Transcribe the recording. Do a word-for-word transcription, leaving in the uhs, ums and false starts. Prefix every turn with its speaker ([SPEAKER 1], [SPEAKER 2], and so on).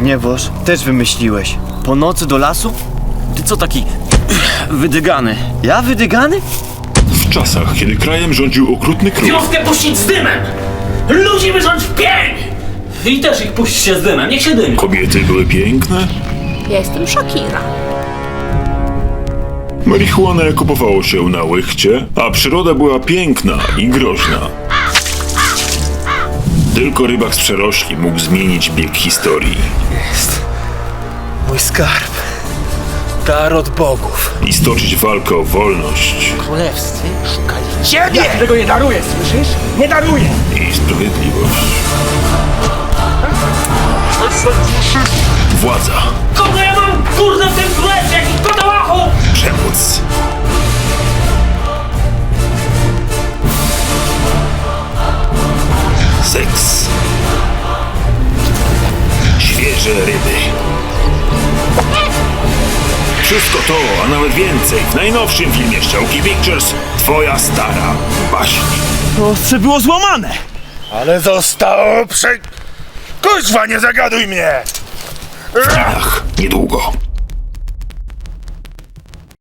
[SPEAKER 1] Gniewoż, też wymyśliłeś. Po nocy do lasu? Ty co taki wydygany? Ja wydygany?
[SPEAKER 2] W czasach, kiedy krajem rządził okrutny król,
[SPEAKER 3] Wioskę puścić z dymem! Ludzi wyrządź w pień! I też ich puśćcie z dymem, niech się dymi.
[SPEAKER 2] kobiety były piękne,
[SPEAKER 4] Ja jestem Shakira.
[SPEAKER 2] marihuanę kupowało się na łychcie, a przyroda była piękna i groźna. Tylko rybak z przerośli mógł zmienić bieg historii
[SPEAKER 5] Jest mój skarb. Dar od bogów.
[SPEAKER 2] i stoczyć walkę o wolność
[SPEAKER 5] Królewscy szukali ciebie! Ja tego nie daruję, słyszysz? Nie daruję!
[SPEAKER 2] i sprawiedliwość. Władza,
[SPEAKER 3] Kogo ja mam kurde w tym królestwie, jakiś patołachu!
[SPEAKER 2] przemoc, seks, świeże ryby. Wszystko to, a nawet więcej w najnowszym filmie Szczałki Pictures Twoja stara baśń.
[SPEAKER 5] Ostrze było złamane! Ale zostało prze... Kuźwa, nie zagaduj mnie!
[SPEAKER 2] W kinach niedługo.